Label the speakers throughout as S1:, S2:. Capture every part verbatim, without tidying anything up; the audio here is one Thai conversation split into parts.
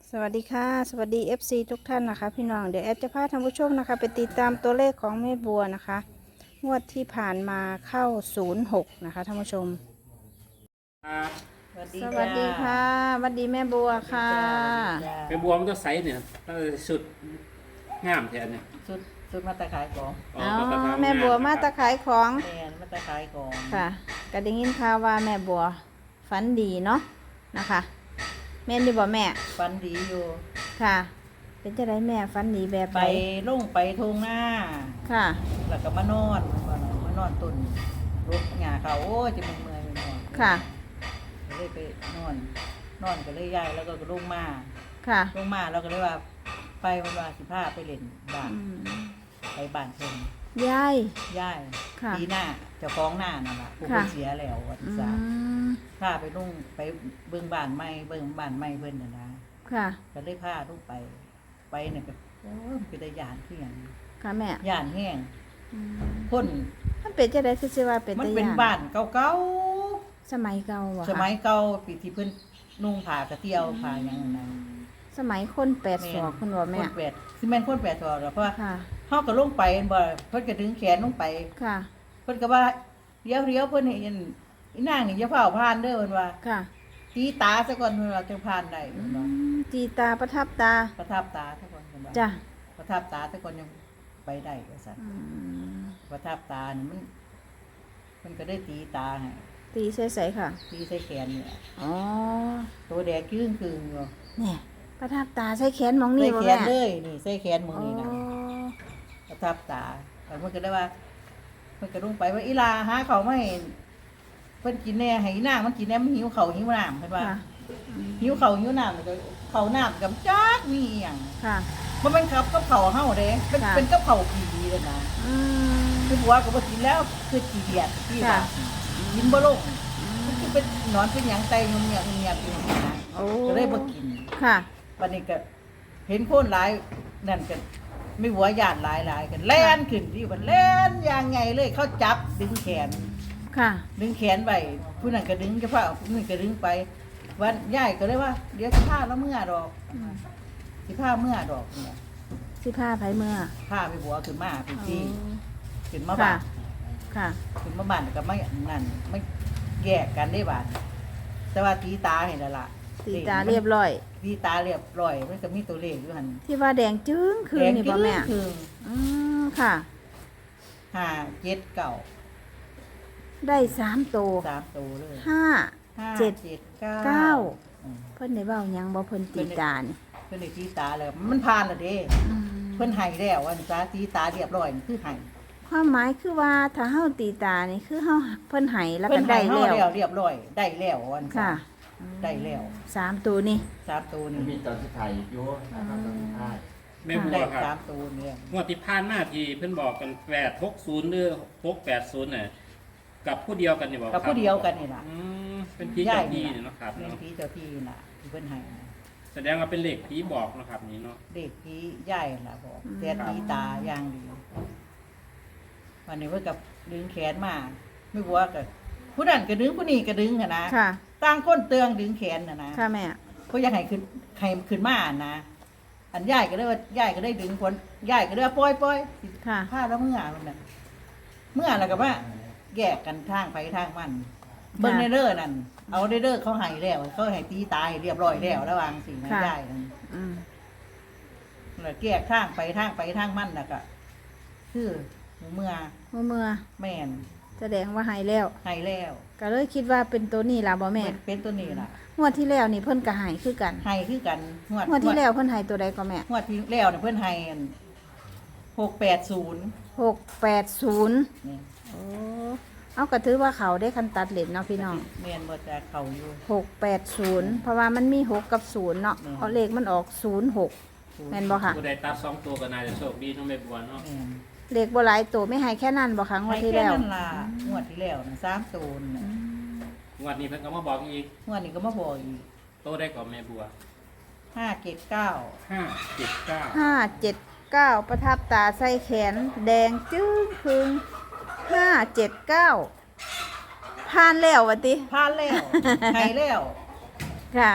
S1: สวัสดีค่ะสวัสดี เอฟ ซี ทุกท่านนะคะพี่น้องเดี๋ยวแอดจะพาท่านผู้ชมนะคะไปติดตามตัวเลขของแม่บัวนะคะงวดที่ผ่านมาเข้าศูนย์หกนะคะท่านผู้ชม
S2: ครับ
S3: สวัสดี
S1: สวัสดีค่ะสวัสดีแม่บัวค่ะ
S2: ไปบวมตัวใสเนี่ยตั้งแต่สุดงามแทนเนี่ย
S3: สุดสุดมาตะขายของ
S1: อ๋อ
S2: ก็กระทำ
S1: แม่บัวมาตะขายของ
S3: แมนมาตะขายของ
S1: ค่ะก็ได้ยินข่าวว่าแม่บัวฝันดีเนาะนะคะแม่นดีบ่แม่
S3: ฟันดีอยู่
S1: ค่ะ เป็นจะได้แม่ฝันดีแบบ
S3: ไป
S1: ไหน
S3: ลงไปทงหน้า
S1: ค่ะ
S3: แล้วก็มานอนมานอนตุนรถหงาเขาโอ้ยจะมึงเมื่อยมึงนอน
S1: ค่ะ
S3: ก็เลยไปนอน นอนก็เลยย้ายแล้วก็ลงมา
S1: ค่ะ
S3: ลงมาเราก็เลยว่าไปวันวาสิบห้าไปเล่นบ้าน
S1: อืม
S3: ไปบ้านเพิ่น
S1: ยาย
S3: ย้าย
S1: ค่ะ
S3: ปีหน้าเจ้าของหน้านั่นแหละผู้
S1: ค่ะ
S3: เพิ่นเสียแล้ววัน
S1: อื
S3: ที่สาม
S1: ม
S3: พาไปลงไปเบิ่งบ้านใหม่เบิ่งบ้านใหม่เพิ่นน่ะนะ
S1: ค่ะ
S3: ก็เลยพาลูกไป ไปเนี่ยก็โอ้ยมันเป็นได้ยานคือหยัง
S1: ค่ะแม่
S3: ย่านแห้ง
S1: อืม
S3: คน
S1: มันเป็นจะได้คือสิว่าเป็น
S3: มัน
S1: ตะ
S3: เป็น
S1: ยาน
S3: บ้านเก่า
S1: สมัยเก่าบ่
S3: ๆ
S1: คะ
S3: สมัยเก่าปีที่เพิ่นนุ่งผ้ากระเตียวผ้าหยังนั่นนะ
S1: สมัยคนแปดศอกคุณบ่แม่
S3: คนแปดสิแม่นคนแปดศอกแล้วเพราะว่า
S1: ค่ะ
S3: เฮาก็ลงไปบ่เพิ่นก็ดึงแขนลงไป
S1: ค่ะ
S3: เพิ่นก็ว่าเดี๋ยวเดี๋ยวเพิ่นเห็นอีนางนี่อย่าเฝ้าผ่านเด้อเพิ่นว่า
S1: ค่ะ
S3: ตีตาซะก่อนเพิ่นว่าจังผ่านได้
S1: อื
S3: เพิ่นว่าม
S1: จีตาประทับตา
S3: ประทับตาซะก่อนเพิ่นว่า
S1: จ้ะ
S3: ประทับตาซะก่อนยังไปได้ว่าซั่น
S1: อืม
S3: ประทับตานี่มันมันก็ได้ตีตาให้
S1: ตีใส่ๆค่ะ
S3: ตีใส่แขนเนี่ย
S1: อ๋อ
S3: ตัวแดงครึ่งครึ่งอยู่
S1: เนี่ยประทับตาใส่แขนหมอง
S3: ใส่
S1: นี่บ่
S3: แข
S1: แม่
S3: นเลยนี่ใส่แขนมือ
S1: อ๋อ
S3: นี่นะประทับตาแต่มันก็ได้ว่ามันก็ลงไปว่าอีลาหาเขาวไม่เพิ่นกินแน่ให้อีนางมันกินแน่มันหิวเขาวหิวน้ำเพิ่นว่า
S1: ค่ะ
S3: หิวเขาวหิวน้ำแล้วก็เขาวน้ำกับจักมีอหย่าง
S1: ค่ะ
S3: มันเป็นกับกับเขาวเฮาเด้เป็น
S1: ค่ะ
S3: เป็นกับเขาวผีเลยนะ
S1: อืม
S3: คือผัวก็บ่กินแล้วคือขี้เดียดที่ว่า
S1: ค่ะ
S3: กินบ่ลงมันคือเป็นหนอนเป็นหยังไตงมเงียบเงียบอยู่นี่นะ
S1: โอ้
S3: ก็เลยบ่กิน
S1: ค่ะ
S3: วันนี้ก็เห็นคนหลายนั่นกันไม่หัวญาติหลายหลายกันแล่นขึ้นที่มันแล่นอย่างไงเลยเขาจับดึงแขน
S1: ค่ะ
S3: ดึงแขนไปผู้นั้นก็ดึงเฉพาะผู้นี้ก็ดึงไปวันยายก็เลยว่า เดี๋ยวสิพาแล้วเมื่อดอกสิพาเมื่อดอกเนี่ย
S1: สิผ้าไผเมื่อ
S3: พาไปหัวขึ้นมาไปที่
S1: อ๋อ
S3: ขึ้นมา
S1: ค่ะ
S3: บ้าน
S1: ค่ะ
S3: ขึ้นมาบ้านก็ไม่นั่นไม่แยกกันได้บ้านแต่ว่าตีตาเห็นแล้วล่ะ
S1: ตีตาเรียบร้อย
S3: ตีตาเรียบร้อยมันก็มีตัวเลขอยู่หัน
S1: ที่ว่าแดงจึ้งคือนี่บ่แม่
S3: คือ
S1: อืมค่ะ
S3: ห้าเจ็ดเก้า
S1: ได้สามโตว
S3: สามตัวเลย
S1: ห้า
S3: ห้า
S1: เจ็ด
S3: เจ็ดเก้า
S1: เก้า
S3: อืม
S1: เพิ่นได้เว้าหยังบ่เพิ่นตีตานี่
S3: เพิ่นได้ตีตาแล้วมันผ่านแล้วเด้
S1: อืม
S3: เพิ่นให้แล้ววันจ้าตีตาเรียบร้อยนี่คือให้
S1: ความหมายคือว่าถ้าเฮาตีตานี่คือเฮาเพิ่นให้แล้ว
S3: เพิ่
S1: ก็
S3: น
S1: ได้
S3: ให้เฮา
S1: แล้ว
S3: แล้วเรียบร้อยได้แล้ววันจ้า
S1: ค่ะ
S3: ได้แล้ว
S1: สามตัวนี่
S3: สามตัว
S4: มัน
S3: นี่
S4: มีตอนสุดท้ายอยู่นะครับตอนสุดท้าย
S2: แม่บัว
S3: ได้
S2: ครับ
S3: สามตัวเนี่ย
S2: งวดที่ผ่านมาที่เพิ่นบอกกันแปดหกศูนย์หรือหกแปดศูนย์เนี่ยกับผู้เดียวกันนี่บอก
S3: กับผู้เดียวกันนี่ล่ะ
S2: อืมเป็นผีเจ้าที่เนี่ยเนาะครับ
S3: เป็น
S2: เนาะ
S3: ผีเจ้าที่น่ะที่เพิ่นให้นะ
S2: แสดงว่าเป็นเลขผีบอกเนาะครับนี่เนาะ
S3: เด็กผีใหญ่ล่ะบอกแต่ตีตาอย่างดีวันนี้เพิ่นกับดึงแขนมาไม่รู้ว่าก็ผู้นั้นก็ดึงผู้นี้ก็ดึงอะนะ
S1: ค่ะ
S3: ต่างคนเตืองดึงแขนน่ะนะ
S1: ค่ะแม่
S3: เพราะอยากให้ขึ้นให้ขึ้นมานะอันย่ายก็ได้ว่าย่ายก็ได้ดึงคนย่ายก็ได้ว่าปล่อยปล่อย
S1: ค่ะ
S3: ผ้าแล้วเมื่อมันน่ะเมื่อแล้วก็ว่าแยกกันทางไปทางมันเบิ้งในเด้อนั่นเอาในเด้อเขาให้แล้วเขาให้ตีตายเรียบร้อยแล้วระหวังสิ่งนั้นย่ายนั่น
S1: อืม
S3: แล้วแยกทางไปทางไปทางมันน่ะก็คือเมื่อ
S1: เมื่อเมื่อ
S3: แม่น
S1: แสดงว่าให้แล้ว
S3: ให้แล้ว
S1: ก็เลยคิดว่าเป็นตัวนี้ล่ะบ่แม่
S3: เป็นเป็นตัวนี้ล่ะ
S1: งวดที่แล้วนี่เพิ่นก็ให้คือกัน
S3: ให้คือกันงวด
S1: งวดที่แล้วเพิ่นให้ตัวใดก็แม่
S3: งวดที่แล้วเนี่ยเพิ่นให้หกแปดศูนย์
S1: หกแปดศูนย์
S3: นี่
S1: โอ้เอาก็ถือว่าเขาได้คันตัดเลนเนาะพี่น้อง
S3: แม่นบ่จะเข้าอยู่
S1: หกแปดศูนย์เพราะว่ามันมีหกกับศูนย์เนาะ
S3: อืม
S1: เอาเลขมันออกศูนย์หกแม่นบ่ค่ะ
S2: ผู้ใดตัดสองตัวก็น่าจะโชคดีเน้องแม่บัวเนาะ
S3: แม่น
S1: เลขบ่หลายตัวไม่ให้แค่นั้นบ่ครั้งวดที่แล้ว
S3: ให้ค่นั้นล่ะงวดที่แล้วน่ะสามศูนย์น่ะ
S2: งวดนี้เพิ่นก็มาบอกอีก
S3: งวดนี้ก็มาบอกอีก
S2: โตได้ก่อนแม่บัว
S3: ห้าเจ็ดเก้า
S2: ห้าเจ็ดเก้า
S1: ห้าเจ็ดเก้าประทับตาใส่แขน แดงจึ้งพึงห้าเจ็ดเก้าผ่านแล้ววะติ
S3: ผ่านแล้ว ให้แล้ว
S1: ค่ะ
S3: ต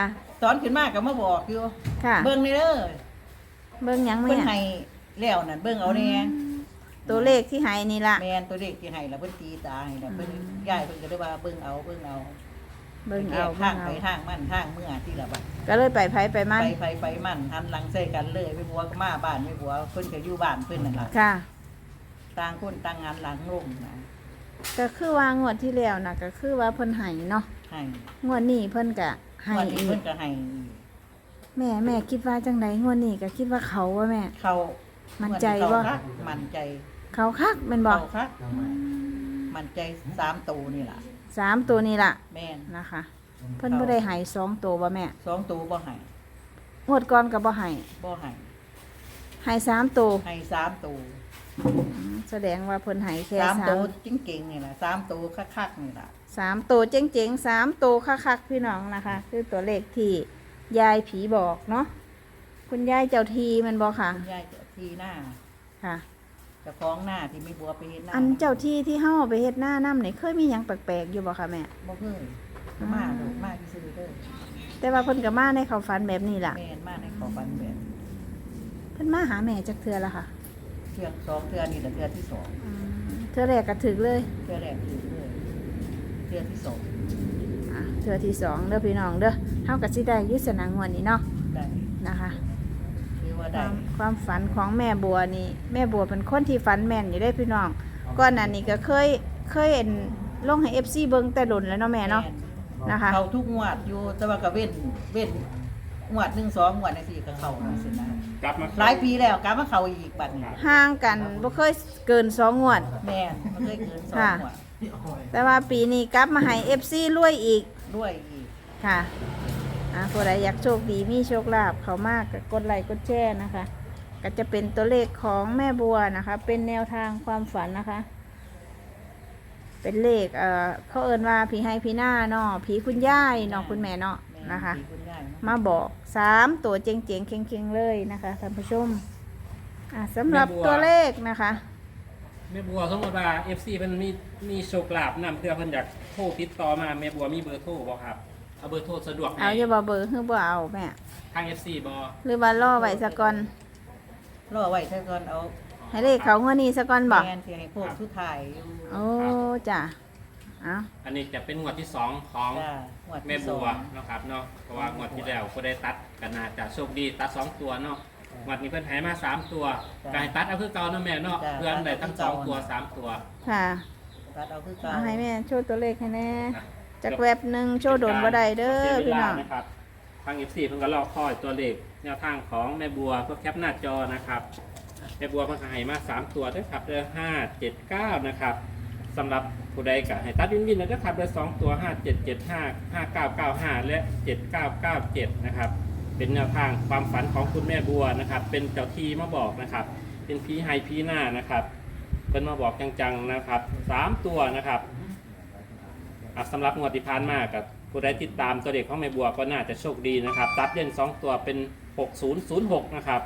S3: ตอนขึ้นมาก็มาบอกอยู่
S1: ค่ะ
S3: เบิ่งในเด้อ
S1: เบิ่งหยัง
S3: เพิ่น
S1: แม่
S3: ให้แล้วนั่นเบิ่งเอาแน่
S1: ตัวเลขที่ให้นี่ล่ะ
S3: แม่นตัวเลขที่ให้แล้วเพิ่นตีตาให้แล้วเพิ่นยายเพิ่นก็เลยว่าเบิ่งเอาเบิ่งเอา
S1: เบิ่งเอา
S3: ทา
S1: เบิ่
S3: ง
S1: ง
S3: ไป
S1: เอา
S3: ทางมันทางเมื่อที่ละบัด
S1: ก็เลยไปไผไปมัน
S3: ไปไปไปมันหันหลังใส่กันเลยไปบัวก็มาบ้านไม่บัวเพิ่นก็อยู่บ้านเพิ่นนั่นล่ะ
S1: ค่ะ
S3: ต่างคนต่างงานหลังลงนะ
S1: ก็คือว่างวดที่แล้วน่ะก็คือว่าเพิ่นให้เนาะ
S3: ให้
S1: งวดนี้เพิ่นก็ให้
S3: วันนี้
S1: อี
S3: เพิ่
S1: ก
S3: นก็ให้
S1: แม่แม่คิดว่าจังไดงวดนี้ก็คิดว่าเขาว่าแม่
S3: เขา
S1: มั่นใจบ่
S3: เขาคักมั่นใจ
S1: เขาคักแม่นบ่
S3: เขาคักมั่นใจสามตัวนี่ล่ะ
S1: สามตัวนี้ล่ะ
S3: แม่น
S1: นะคะ เพิ่นบ่ได้ให้สองตัวบ่แม่
S3: สองตัวบ่ให้
S1: งวดก่อนก็บ่ให้
S3: บ่ให้
S1: ให้สามตัว
S3: ให้สามตัว
S1: อืมแสดงว่าเพิ่นให้แค่
S3: สาม
S1: สา
S3: ตัว
S1: ม
S3: จริงๆนี่ล่ะสามตัวคักๆนี่ล่ะ
S1: สามตัวเจ๋งๆสามตัวคักๆพี่น้องนะคะ คือตัวเลขที่ยายผีบอกเนาะคุณยายเจ้าทีแมันบอกค่ะ
S3: คุณยายเจ้าที่หน้า
S1: ค่ะ
S3: เจ้าของหน้าที่มีบัวไปเฮ็ดหน้า
S1: อันเจ้าที่ที่เฮาไปเฮ็ดหน้าน้ำนี่เคยมีหยังแปลกๆอยู่บ่คะแม่
S3: บ่เคยมาดูมาที่ซื้อเด้อ
S1: แต่ว่าเพิ่นก็มาในเขาฝันแบบนี้ล่ะ
S3: แม่นมาในขอฟันแบบ
S1: เพิ่นมาหาแม่จักเทื่อละค่ะ
S3: เทือสองเทือนี่แต่เทือที่สอง
S1: อืมเทื่อแรกก็ถึกเลย
S3: เทือแรกถือเลยเทือที่สอง
S1: อ่ะเทื่อที่สองเด้อพี่น้องเด้อเฮาก็สิได้อยุสนางวดนี้เนาะ
S3: ได้
S1: นะคะ
S3: คือว่า
S1: ค
S3: ได้
S1: วามความฝันของแม่บัวนี่แม่บัวเป็นคนที่ฝันแม่นอยู่ได้พี่น้องก่อนหน้านี้ก็เคยเคยเห็นลงให้ เอฟ ซี เบิ่งแต่หล่นแล้วเนาะแม่เนาะ นะคะ
S3: เขาทุกงวดอยู่แต่ว่าก็เว้นเว้นงวดหนึ่งสองงวดในสี่ก็เขานะสินะ
S2: กลับมา
S3: หลายปีแล้วกลับมาเขาอีกบัดนี้
S1: ห่างกันบ่เคยเกินสองงวด
S3: แม่นมันเคยเกินสอง
S1: ค่ะ
S3: งวด
S1: แต่ว่าปีนี้กลับมาให้ เอฟ ซี รวยอีก
S3: ด้วยอีก
S1: ค่ะอ่าผู้ใดอยากโชคดีมีโชคลาภเขามากก็กดไลค์กดแชร์นะคะ ก็จะเป็นตัวเลขของแม่บัวนะคะ เป็นแนวทางความฝันนะคะ เป็นเลขเอ่อเขาเอิ้นว่าผีให้ผีหน้าเนาะผีคุณย่ายเนาะคุณแม่เนาะ
S3: แม่
S1: นะคะ
S3: ปีคุณย่ายเนาะ
S1: มาบอกสามตัวเจ๋งๆเข่งๆเลยนะคะท่านผู้ชมอ่ะสำหรับตัวเลขนะคะ
S2: แม่บัวสมมติว่า เอฟ ซี เพิ่นมีมีโชคลาภนำเพื่อเพิ่นอยากโทรติดต่อมาแม่บัวมีเบอร์โทรบ่ครับเอาเบอร์โทรสะดวกไหม
S1: เอาอย่าบ่เบอร์คือบ่เอาแม่
S2: ทาง เอฟ ซี บ่
S1: หรือว่าล่อไว้ซะก่อน
S3: รอไว้ถ้าก่อนเอา
S1: ให้เลขเขางวดนี้ซะก่อนบ่
S3: แม่นที่ให้พวกทุกถ่ายอยู่
S1: โอ้จ้ะเอา
S2: อันนี้จะเป็นงวดที่สองของ
S3: จ้าหวด
S2: แม่
S3: ที่ส
S2: บั
S3: อ
S2: ว
S3: ง
S2: เนาะครับเนาะเพราะว่างวดที่แล้วก็ได้ตัดกันนาจะโชคดีตัดสองตัวเนาะงวดนี้เพิ่นให้มาสามตัวกายตัดเอาคือเก่าเนาะแม่เนาะเพื่อนได้ทั้งสองตัวสามตัว
S1: ค่ะ
S3: ตัดเอาคือเก่า
S1: เอาให้แม่โชว์ตัวเลขให้แน่จากแวบหนึ่งโชว์โดนบ่ได้เด้อ
S2: สีย
S1: พี่
S2: เว
S1: น้
S2: ลา
S1: อง
S2: นะครับทาง เอฟ ซี เพิ่นก็รอคอยตัวเลขแนวทางของแม่บัวเพื่อแคปหน้าจอนะครับแม่บัวเพิ่นก็ให้มาสามตัวด้วยครับเด้อห้า เจ็ด เก้านะครับสำหรับผู้ใดก็ให้ตัดวินวินนะเด้อครับเด้อสองตัวห้า เจ็ด เจ็ด ห้า ห้า เก้า เก้า ห้าและเจ็ด เก้า เก้า เจ็ดนะครับเป็นแนวทางความฝันของคุณแม่บัวนะครับเป็นเจ้าที่มาบอกนะครับเป็นผีไฮผีหน้านะครับเพิ่นมาบอกจังๆนะครับสามตัวนะครับ อ่ะสำหรับงวดที่ผ่านมากับผู้ใดติดตามตัวเด็กของแม่บัวก็น่าจะโชคดีนะครับตัดเล่นสองตัวเป็นหกศูนย์ศูนย์หกนะครับ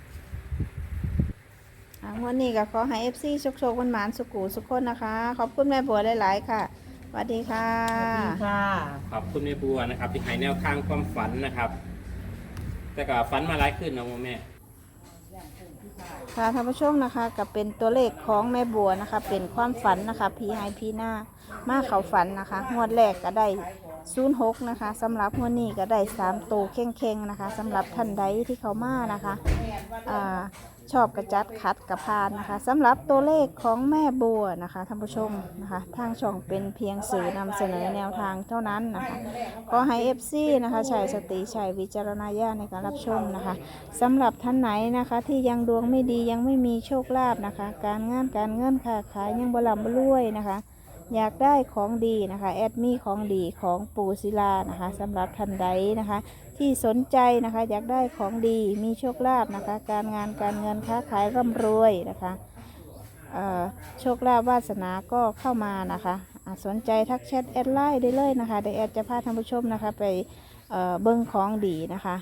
S1: อ่ะงวันนี้ก็ขอให้ เอฟ ซี โชคโชคหวานๆสุกูสุขคนนะคะ ขอบคุณแม่บัวหลายๆค่ะสวัสดีค่ะ
S3: สวัสดีค่ะ
S2: ขอบคุณแม่บัวนะครับที่ให้แนวทางความฝันนะครับ แต่ก็ฝันมาหลายขึ้นนะโมแม่
S1: ค่ะท่านผู้ชมนะคะกับเป็นตัวเลขของแม่บัวนะคะ เป็นความฝันนะคะพีไฮพีหน้ามาเขาฝันนะคะงวดแรกก็ได้ศูนย์หกนะคะสำหรับงวดนี้ก็ได้สามตัวเข่งๆนะคะสำหรับท่านใดที่เขามานะคะอ่าชอบกระจัดขัดกระพานนะคะสำหรับตัวเลขของแม่บัวนะคะท่านผู้ชมนะคะทางช่องเป็นเพียงสื่อนำเสนอแนวทางเท่านั้นนะคะขอให้ เอฟ ซี นะคะใช้สติใช้วิจารณญาณในการรับชมนะคะสำหรับท่านไหนนะคะที่ยังดวงไม่ดียังไม่มีโชคลาภนะคะ การงานการเงินค้าขายยังบลำบรวยนะคะ อยากได้ของดีนะคะแอดมีของดีของปูศิลานะคะสำหรับท่านใดนะคะ ที่สนใจนะคะอยากได้ของดีมีโชคลาภนะคะ การงานการเงินค้าขายร่ำรวยนะคะเอ่อโชคลาภวาสนาก็เข้ามานะคะอ่ะสนใจทักแชทแอดไลน์ได้เลยนะคะเดี๋ยวแอดจะพาท่านผู้ชมนะคะไปเอ่อเบิ้งของดีนะคะ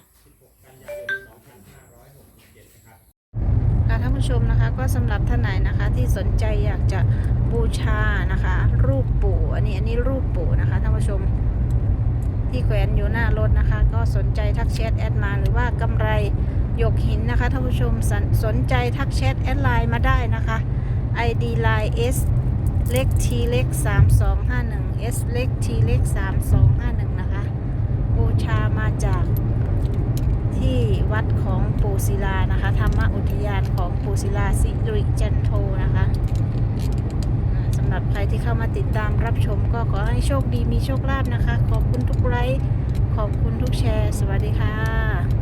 S1: ค่ะท่านผู้ชมนะคะก็สำหรับท่านไหนนะคะที่สนใจอยากจะบูชานะคะ รูปปู่อันนี้อันนี้รูปปู่นะคะท่านผู้ชมที่แขวนอยู่หน้ารถนะคะ ก็สนใจทักแชทแอดมาหรือว่ากำไรหยกหินนะคะท่านผู้ชมสนสนใจทักแชทแอดไลน์มาได้นะคะ ไอ ดี ไลน์ S เล็ก T เล็กสามสองห้าหนึ่ง S เล็ก T เล็กสามสองห้าหนึ่งนะคะบูชามาจากที่วัดของปูศิลานะคะธรรมอุทยานของปูศิลาสิริจันโทนะคะอ่าสำหรับใครที่เข้ามาติดตามรับชมก็ขอให้โชคดีมีโชคลาภนะคะ ขอบคุณทุกไลค์ขอบคุณทุกแชร์ สวัสดีค่ะ